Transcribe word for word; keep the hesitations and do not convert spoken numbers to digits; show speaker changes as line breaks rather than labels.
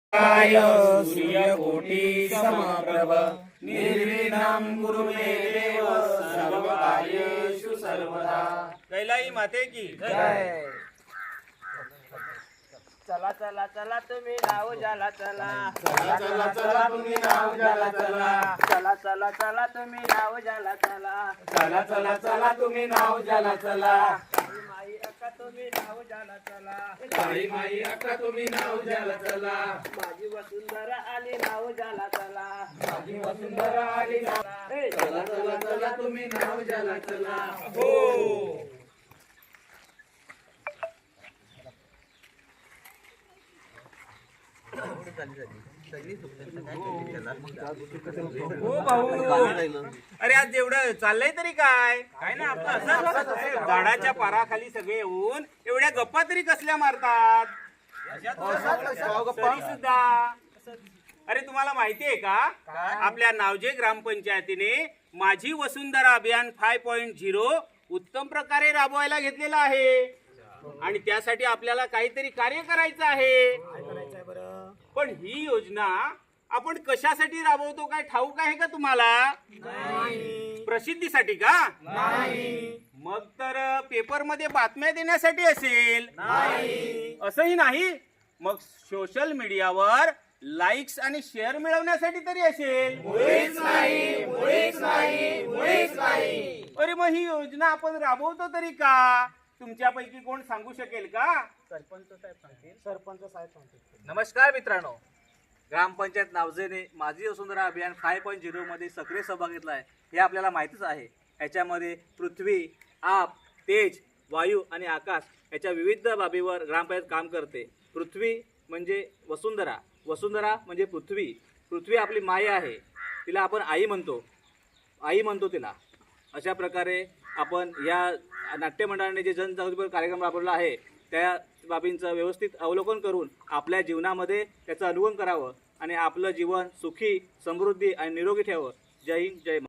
काय सूर्यकोटि समप्रभ निर्विघ्नं कुरु मे देव सर्वकार्येषु सर्वदा।
कैलाई माते की
जय।
चला चला चला तुम्ही नाव जाला चला,
चला चला चला तुम्ही नाव ज्याला चला,
चला चला चला तुम्ही नाव जाला चला,
चला चला चला तुम्ही नाव ज्याला चला,
काळी माई अक्का तुम्ही नाव जाला चला,
काळी माई अक्का तुम्ही नाव ज्याला चला,
माझी वसुंधरा आली नाव जाला चला,
माझी वसुंधरा आली नाव,
ए,
चला चला चला तुम्ही नाव ज्याला चला।
हो हो भाऊ, अरे आज एवढं चाललंय तरी काय काय ना आपलं असं झाडाच्या पाराखाली सगळे येऊन एवढ्या गप्पा तरी कसल्या मारतात तरी सुद्धा। अरे तुम्हाला माहिती आहे का आपल्या नावजे ग्रामपंचायतीने माझी वसुंधरा अभियान फाय पॉइंट झिरो उत्तम प्रकारे राबवायला घेतलेला आहे आणि त्यासाठी आपल्याला काहीतरी कार्य करायचं आहे। पण ही योजना आपण कशासाठी राबवतो काय ठाऊक आहे का तुम्हाला? प्रसिद्धीसाठी का? मग तर पेपर मध्ये बातम्या देण्यासाठी असेल? असंही नाही, मग सोशल मीडियावर लाईक्स आणि शेअर मिळवण्यासाठी तरी असेल? अरे मग ही योजना आपण राबवतो तरी का? तुमच्यापैकी कोण सांगू शकेल का? सरपंच साहेब सांगतील। सरपंच साहेब सांगतील।
नमस्कार मित्रांनो, ग्रामपंचायत नावजेने माझी वसुंधरा अभियान फाय पॉईंट झिरो मध्ये सक्रिय सहभाग घेतला आहे हे आपल्याला माहितीच आहे। याच्यामध्ये पृथ्वी, आप, तेज, वायू आणि आकाश याच्या विविध बाबीवर ग्रामपंचायत काम करते। पृथ्वी म्हणजे वसुंधरा, वसुंधरा म्हणजे पृथ्वी, पृथ्वी आपली माय आहे, तिला आपण आई म्हणतो, आई म्हणतो तिला। अशा प्रकारे आपण या नाट्यमंडळाने जे जनजागृतीपर कार्यक्रम राबवला आहे त्या बाबींचं व्यवस्थित अवलोकन करून आपल्या जीवनामध्ये त्याचं अनुगमन करावं आणि आपलं जीवन सुखी, समृद्धी आणि निरोगी ठेवावं। जय हिंद, जय महाराष्ट्र।